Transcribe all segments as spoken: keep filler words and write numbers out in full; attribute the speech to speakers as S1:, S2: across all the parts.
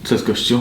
S1: Co jest, gościu?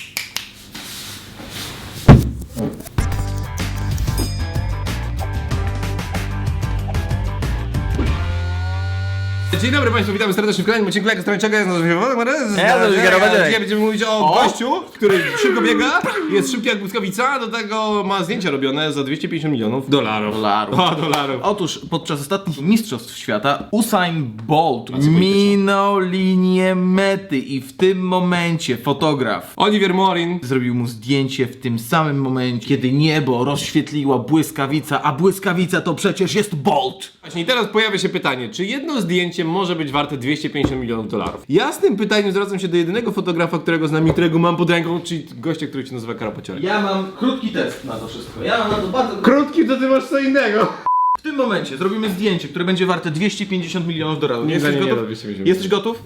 S2: Dzień dobry Państwu, witamy serdecznie w kolejnym odcinku Lekkostrańczego. Ja nazywam się Władek Marez.
S1: Ja nazywam się Karol Wadzierek.
S2: Dzisiaj będziemy mówić o,
S1: O!
S2: gościu, który szybko biega, jest szybki jak błyskawica, do tego ma zdjęcia robione za dwieście pięćdziesiąt milionów dolarów.
S1: Dolarów.
S2: O, dolarów.
S1: Otóż podczas ostatnich mistrzostw świata Usain Bolt
S2: co
S1: minął linię mety i w tym momencie fotograf
S2: Oliver Morin.
S1: zrobił mu zdjęcie w tym samym momencie, kiedy niebo rozświetliła błyskawica, a błyskawica to przecież jest Bolt.
S2: Właśnie i teraz pojawia się pytanie, czy jedno zdjęcie może być warte dwieście pięćdziesiąt milionów dolarów? Ja z tym pytaniem zwracam się do jedynego fotografa, którego znam i którego mam pod ręką, czyli gościa, który się nazywa Karol Pociorek.
S1: Ja mam krótki test na to wszystko. Ja mam na to bardzo
S2: Krótki, to ty masz co innego.
S1: W tym momencie zrobimy zdjęcie, które będzie warte dwieście pięćdziesiąt milionów dolarów.
S2: Nie,
S1: Jesteś
S2: nie, nie,
S1: gotów?
S2: nie, dwieście pięćdziesiąt.
S1: Jesteś gotów?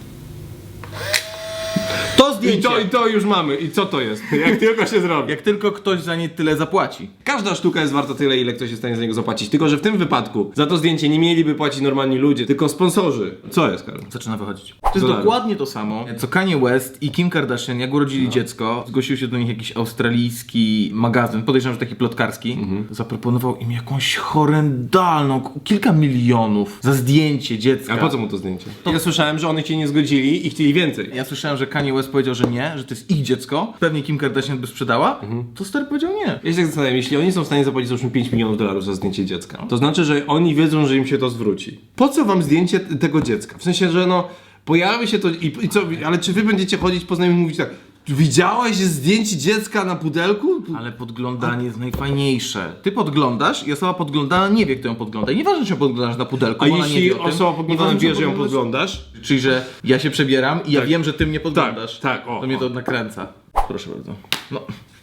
S1: To
S2: I
S1: zdjęcie!
S2: to, I to już mamy. I co to jest? Jak tylko się zrobi.
S1: Jak tylko ktoś za nie tyle zapłaci.
S2: Każda sztuka jest warta tyle, ile ktoś jest w stanie za niego zapłacić. Tylko że w tym wypadku za to zdjęcie nie mieliby płacić normalni ludzie, tylko sponsorzy. Co jest, Karol?
S1: Zaczyna wychodzić. To jest
S2: Dolarów.
S1: dokładnie to samo, co Kanye West i Kim Kardashian, jak urodzili dziecko, zgłosił się do nich jakiś australijski magazyn, podejrzewam, że taki plotkarski, zaproponował im jakąś horrendalną, k- kilka milionów za zdjęcie dziecka.
S2: A po co mu to zdjęcie? Ja słyszałem, że oni się nie zgodzili i chcieli więcej.
S1: Ja słyszałem, że Kanye West powiedział, że nie, że to jest ich dziecko, pewnie Kim Kardashian by sprzedała, to stary powiedział nie.
S2: Ja się tak zastanawiam, jeśli oni są w stanie zapłacić załóżmy pięć milionów dolarów za zdjęcie dziecka, to znaczy, że oni wiedzą, że im się to zwróci. Po co wam zdjęcie t- tego dziecka? W sensie, że no, pojawi się to i, i co, ale czy wy będziecie chodzić po znajomych i mówić tak, widziałeś zdjęcie dziecka na pudelku?
S1: Ale podglądanie jest najfajniejsze. Ty podglądasz i osoba podglądana nie wie, kto ją podgląda. I nieważne, czy ją podglądasz na pudelku,
S2: A
S1: bo ona nie
S2: jeśli
S1: wie o tym.
S2: osoba podglądana
S1: Nieważne,
S2: wie,
S1: czy
S2: że ją
S1: podglądasz-
S2: podglądasz?
S1: Czyli, że ja się przebieram i ja
S2: Tak.
S1: wiem, że ty mnie podglądasz.
S2: Tak, tak, o,
S1: To mnie
S2: o.
S1: to nakręca. Proszę bardzo. No.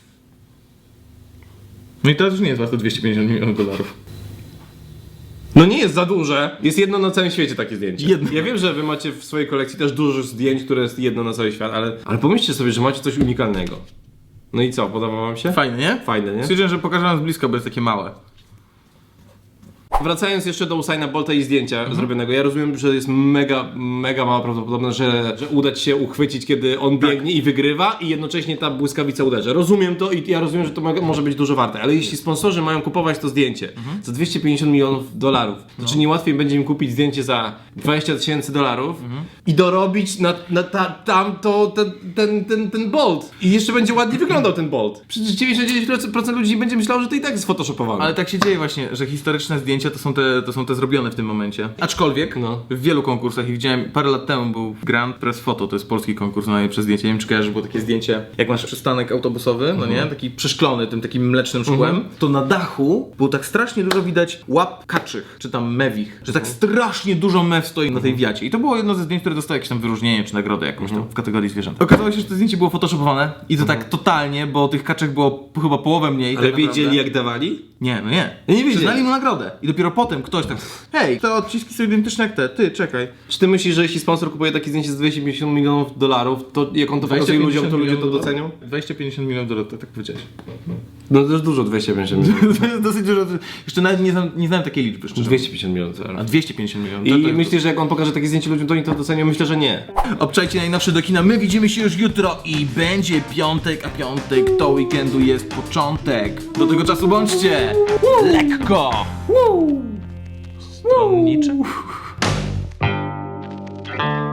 S1: No i to już nie jest warte dwieście pięćdziesiąt milionów dolarów.
S2: No nie jest za duże. Jest jedno na całym świecie takie zdjęcie.
S1: Jedno.
S2: Ja wiem, że wy macie w swojej kolekcji też dużo zdjęć, które jest jedno na cały świat, ale, ale pomyślcie sobie, że macie coś unikalnego. No i co, podoba wam się?
S1: Fajne, nie?
S2: Fajne, nie?
S1: Stwierdziłem, że pokażę wam z bliska, bo jest takie małe.
S2: Wracając jeszcze do Usaina Bolta i zdjęcia
S1: Mhm.
S2: zrobionego, ja rozumiem, że jest mega, mega mała prawdopodobność, że, że uda ci się uchwycić, kiedy on
S1: Tak.
S2: biegnie i wygrywa i jednocześnie ta błyskawica uderzy. Rozumiem to i ja rozumiem, że to mo- może być dużo warte, ale jeśli sponsorzy mają kupować to zdjęcie
S1: Mhm.
S2: za dwieście pięćdziesiąt milionów dolarów, to
S1: No.
S2: czy nie łatwiej będzie im kupić zdjęcie za dwadzieścia tysięcy dolarów
S1: Mhm.
S2: i dorobić na, na ta, tamto, ten, ten, ten, ten Bolt i jeszcze będzie ładnie wyglądał ten Bolt. Przecież dziewięćdziesiąt dziewięć procent ludzi będzie myślało, że to i tak jest photoshopowane.
S1: Ale tak się dzieje właśnie, że historyczne zdjęcia to są te, to są te zrobione w tym momencie. Aczkolwiek
S2: No.
S1: w wielu konkursach, i widziałem parę lat temu był Grand Press Photo, to jest polski konkurs na najlepsze zdjęcie. Nie wiem, czy kojarzysz, było takie zdjęcie, jak masz przystanek autobusowy, no nie, taki przeszklony tym takim mlecznym szkłem, to na dachu było tak strasznie dużo widać łap kaczych, czy tam mewich, że tak strasznie dużo mew stoi na tej wiacie. I to było jedno ze zdjęć, które dostało jakieś tam wyróżnienie, czy nagrodę jakąś tam w kategorii zwierząt. Okazało się, że to zdjęcie było photoshopowane i to tak totalnie, bo tych kaczek było chyba połowę mniej.
S2: Ale
S1: tak naprawdę.
S2: wiedzieli jak dawali?
S1: Nie, no nie.
S2: Ja nie wiedzieli.
S1: Przyznali mu nagrodę. I dopiero potem ktoś tak, hej, te odciski są identyczne jak te, ty, czekaj.
S2: Czy ty myślisz, że jeśli sponsor kupuje takie zdjęcie za dwieście pięćdziesiąt milionów dolarów, to jak on to pokazuje ludziom, to ludzie to docenią?
S1: dwieście pięćdziesiąt milionów dolarów, tak, tak powiedziałeś.
S2: No to już dużo dwieście pięćdziesiąt milionów.
S1: To jest dosyć dużo. Jeszcze nawet nie znam, nie znam takiej liczby, szczerze.
S2: dwieście pięćdziesiąt milionów
S1: A
S2: dolarów.
S1: dwieście pięćdziesiąt milionów.
S2: I
S1: to, to jest-
S2: myślisz, że jak on pokaże takie zdjęcie ludziom, to oni to docenią? Myślę, że nie.
S1: Obczajcie najnowsze do kina. My widzimy się już jutro i będzie piątek, a piątek to weekendu jest początek. Do tego czasu bądźcie lekko. Stronniczy.